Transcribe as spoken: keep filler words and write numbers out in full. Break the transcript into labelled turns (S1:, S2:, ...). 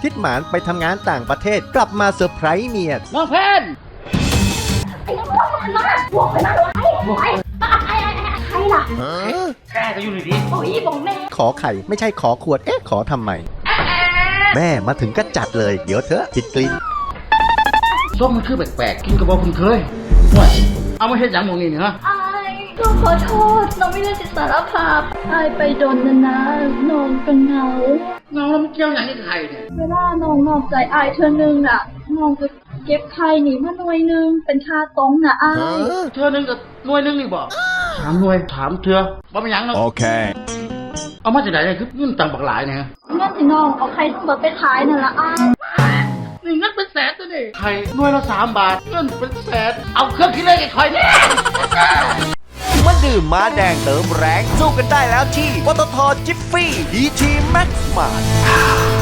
S1: ทิดหมานไปทำงานต่างประเทศกลับมาเซอร์ไพรส์เมีย
S2: น้องเพน
S3: ไอ้น้องมันมาบวกไปมาไอ้บวกไอ้ไอ้ไอ้ใครล่ะ
S2: แกก็อยู่ในนี้
S3: โอ้ยบอกแม่
S1: ขอไข่ไม่ใช่ขอขวดเอ๊ะขอทำไมแม่มาถึงก็จัดเลยเดี๋ยวเถอะติดกลิ่น
S2: ส้มมันคือแปลกๆกินกระบอกคุณเคยว่าเอามาเฮ็ดอย่างมองนี่เนาะ
S3: ไอ้น้องขอโทษน้องไม่ได้จิตสารภาพไอ้ไปโดนนะนะน้องก็เหงา
S2: น้องแล้วมันเกี่ยวอย่างนี้กับใครเนี่ย
S3: เวลาน้องนอกใจไอ้เธอหนึ่งน่ะน้องก็เก็บไข่หนีมาหน่วยนึงเป็นค่าตรงน่ะไอ้
S2: เธอหนึ่งกับหน่วยหนึ่งนี่บอกถามหน่วยถามเธอว่าเป็นยังเนาะ
S1: โอเค
S2: เอามาจากไหนเนี่ยคือเงินต่างบักหลายเนี่ย
S3: เงินที่น้องเอาไข่ทั้งหมดไปขายนั่นละไอ้
S2: นี่เงินเป็นแสนตัวนี่ไข่หน่วยละสามบาทเงินเป็นแสนเอาเครื่องคิดเลขไอ้คอยเนี่ย
S1: มาดื่มมาแดงเติมแรงสู้กันได้แล้วที่ปตทจิฟฟี่ดีทีแม็กซ์มา